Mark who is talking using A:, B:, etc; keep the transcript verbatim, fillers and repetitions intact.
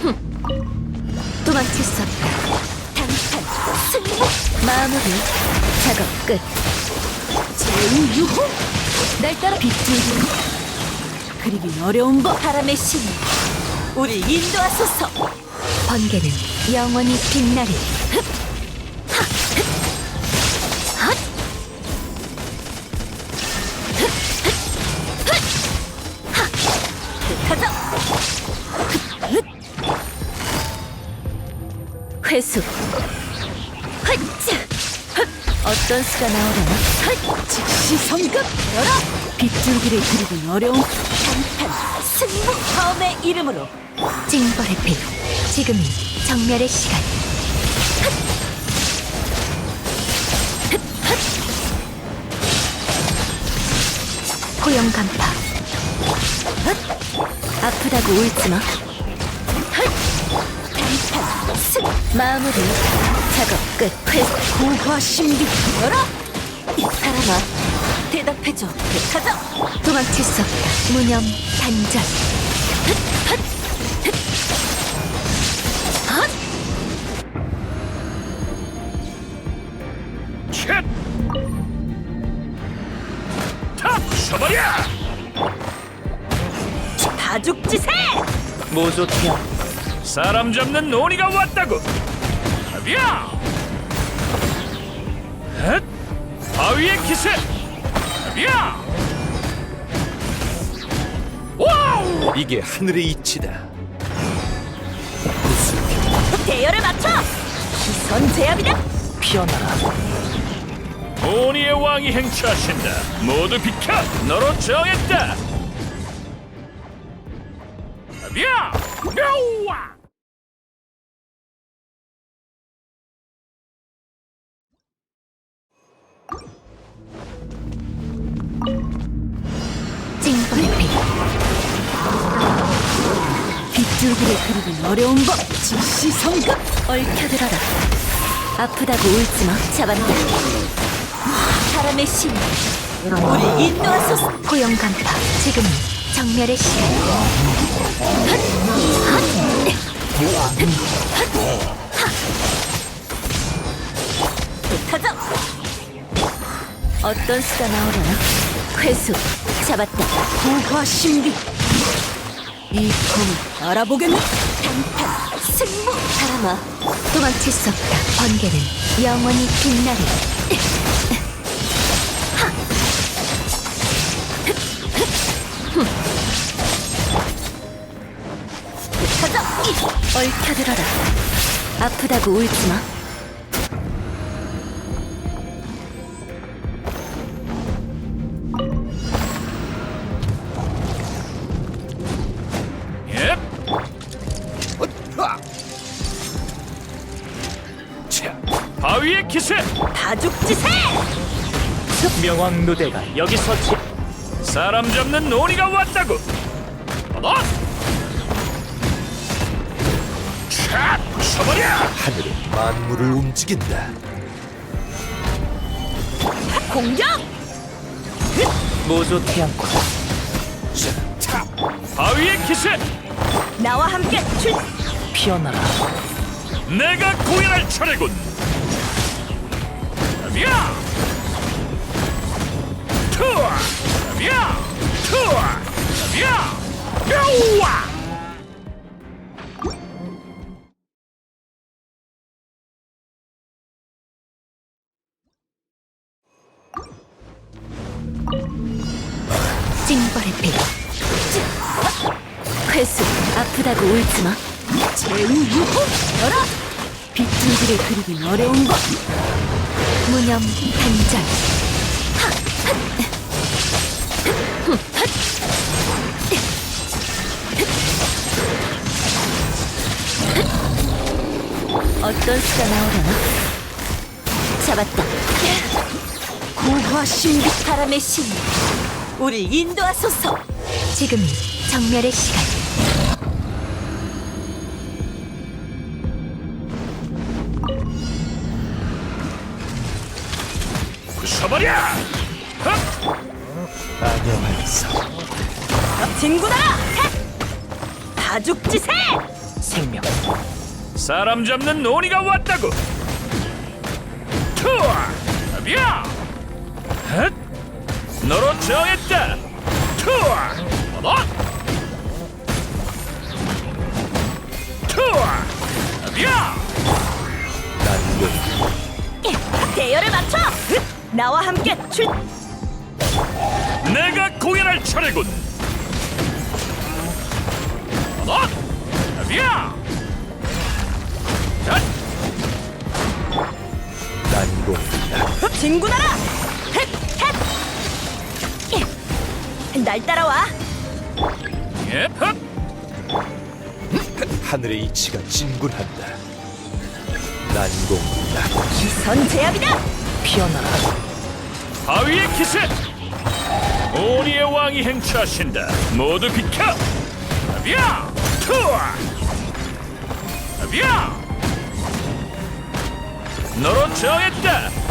A: 도망칠 수 없다. 단판 승리. 마무리. 작업 끝. 제우유호. 날 따라 빗줄기. 그리긴 어려운 법. 바람의 신, 우리 인도하소서. 번개는 영원히 빛나리. 흡! 하! 흡! 헛! 흡! 흡! 흡! 하! 흩어져! 흡! 흡! 회수. 헛자! 흡! 어떤 수가 나오려나? 헛! 즉시 성급! 열어! 빗줄기를 그리긴 어려운 단판 승부. 다음의 이름으로 징벌의 빛. 지금이 정멸의 시간. 고용 간파. 아프다고 울지마. 단판 승. 마무리. 작업 끝. 회수. 고화 신비. 열어! 사람아, 대답해줘. 가자. 도망칠 수 없다. 무념 단전. 헛! 헛!
B: 쳇! 다 부숴버려!
A: 다죽지세!
B: 모조티야, 사람 잡는 논의가 왔다고! 가비야! 헷! 바위의 기세! 가비야! 와우!
C: 이게 하늘의 이치다.
A: 대열을 맞춰! 기선 제압이다!
B: 피어나라. 논의의 왕이 행차하신다. 모두 비켜! 너로 정했다! 가비야! 묘와!
A: 징벌의 빛. 빗줄기를 그리긴 어려운 법. 즉시 성급. 얽혀들어라. 아프다고 울지마. 잡았다. 사람의 신, 우리 인도하소서. 고용 간파. 지금이 정멸의 시간. 헛! 헛! 흩어져! 어떤 수가 나오려나? 회수. 잡았다. 고화 신비. 이 검을 알아보겠네. 단판 승부. 사람아, 도망칠 수 없다. 번개는 영원히 빛나리. 하! 흡! 흡! 흠! 흩어져! 이! 얽혀들어라. 아프다고 울지마.
B: 예? 차! 바위의 기세!
A: 다죽지세!
B: 명왕 누대가 여기서 지... 사람 잡는 논의가 왔다고! 어? 차! 부숴버려!
C: 하늘은 만물을 움직인다.
A: 공격!
B: 모조 태양권. 차! 바위의 기세!
A: 나와 함께 출!
B: 피어나라. 내가 공연할 차례군. 가비야! 투어! 가비야! 투어! 가비야! 묘와!
A: 징벌의 빛. 회수. 아프다고 울지마. 제우유호. 열어! 빗줄기를 그리긴 어려운 법. 무념 단전. 하! 핫! 흠! 핫! 어떤 수가 나오려나? 잡았다. 고화 신비. 바람의 신, 우리 인도하소서. 지금이 정멸의 시간.
B: 부숴버려!
C: 안녕하겠어.
A: 진구다! 다죽지세!
D: 생명.
B: 사람 잡는 논의가 왔다고. 투어 비야 헷 너로 정했다. 투어 얻어 투어 비야
C: 난공
A: 대열을 맞춰! 나와 함께 출...
B: 내가 공연할 차례군. 얻어 비야 헷
C: 난공
A: 진군하라! 헷! 헷! 날 따라와!
B: 예, 헛
C: 하늘의 이치가 진군한다. 난공
A: 기선 제압이다!
D: 피어나라.
B: 바위의 기세. 오니의 왕이 행차하신다. 모두 비켜. 비야 투어 비야 너로 정했다.